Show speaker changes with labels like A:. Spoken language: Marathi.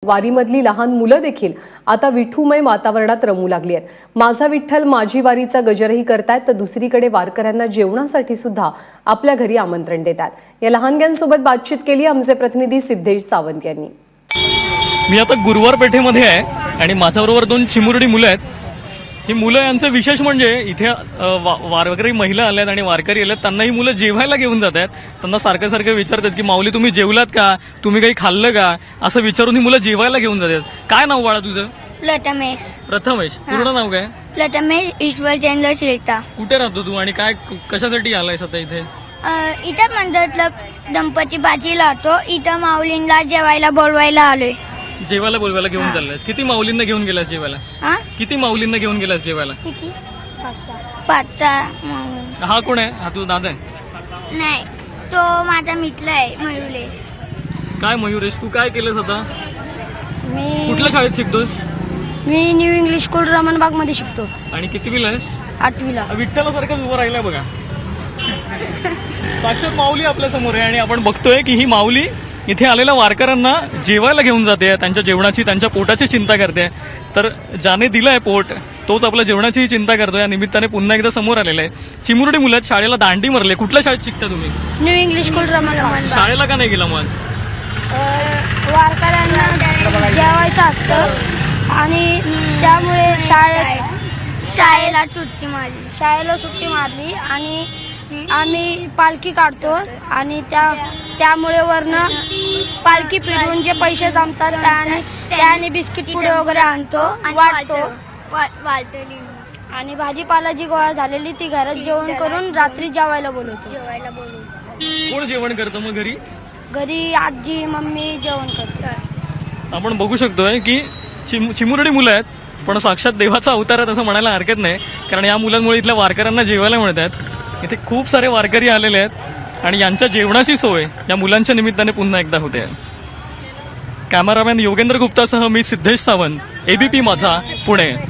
A: वारीमधली लहान मुलं देखील आता विठूमय वातावरणात रमू लागली आहेत. माझा विठ्ठल माझी वारीचा गजरही करतायत, तर दुसरीकडे वारकऱ्यांना जेवणासाठी सुद्धा आपल्या घरी आमंत्रण देतात. या लहानग्यांसोबत बातचीत केली आमचे प्रतिनिधी सिद्धेश सावंत यांनी.
B: मी आता गुरुवार पेठेमध्ये आहे आणि माझ्याबरोबर 2 चिमुरडी मुलं आहेत. ही मुलं यांचं विशेष म्हणजे इथे वारकरी महिला आल्यात आणि वारकरी आल्यात, त्यांना ही मुलं जेवायला घेऊन जात आहेत. त्यांना सारखं सारखं विचारतात की माऊली तुम्ही जेवलात का, तुम्ही काही खाल्लं का, असं विचारून ही मुलं जेवायला घेऊन जातात. काय नाव बाळा तुझं?
C: प्रथमेश.
B: प्रथमेश. पूर्ण नाव काय?
C: प्रथमेश ईश्वर चंद्र शिलता.
B: कुठे राहतो तू आणि काय कशासाठी आलायस आता इथे?
C: इथं मंदिरातलं दंपती भाजी लावतो. इथं माऊलींना जेवायला बोलवायला आलोय.
B: जेवायला बोलवायला घेऊन चाललायस? किती माऊलींना घेऊन गेलास जेवायला? किती माऊलींना घेऊन गेलास जेवायला?
C: किती? 5 माऊली.
B: हा कोण आहे? हा तू दादा आहे?
C: नाही, तो माझा मित्र आहे मयुरेश.
B: काय मयुरेश, तू काय केलंस आता?
D: मी
B: कुठल्या शाळेत शिकतोस?
D: न्यू इंग्लिश स्कूल रमणबाग मध्ये शिकतो.
B: आणि कितवीला आहेस?
D: 8वीला.
B: विठ्ठलासारखंच उभं राहिलाय बघा. साक्षात माऊली आपल्या समोर आहे आणि आपण बघतोय की ही माऊली इथे आलेल्या वारकऱ्यांना जेवायला घेऊन जाते, त्यांच्या जेवणाची, त्यांच्या पोटाची चिंता करते. तर ज्याने दिलंय पोट तोच आपल्या जेवणाचीही चिंता करतो. या निमित्ताने पुन्हा एकदा समोर आलेलं आहे. चिमुरडी मुलं आहेत, शाळेला दांडी मारले. कुठल्या शाळेत शिकता तुम्ही?
D: New English school Ramanbaug.
B: शाळेला का नाही गेला मग?
D: वारकऱ्यांना जेवायचं असतं आणि त्यामुळे
C: शाळेला सुट्टी मारली.
D: शाळेला सुट्टी मारली आणि आम्ही पालखी काढतो आणि त्यामुळे वरनं पालखी फिरवून जे पैसे जमतात त्याने बिस्किट पुडे वगैरे आणतो, वाटतो. आणि भाजीपाला जी गोळा झालेली ती घरात जेवण करून रात्री जेवायला बोलवतो.
B: कोण जेवण करतं मग घरी?
D: घरी आजी मम्मी जेवण करते.
B: आपण बघू शकतोय की चिमुरडी मुलं आहेत, पण साक्षात देवाचा अवतार आहेत असं म्हणायला हरकत नाही. कारण या मुलांमुळे इथल्या वारकऱ्यांना जेवायला मिळत आहेत. इथे खूप सारे वारकरी आलेले आहेत आणि यांच्या जेवणाची सोय या मुलांच्या निमित्ताने पुन्हा एकदा होते. कॅमेरामॅन योगेंद्र गुप्तासह मी सिद्धेश सावंत, ABP माझा, पुणे.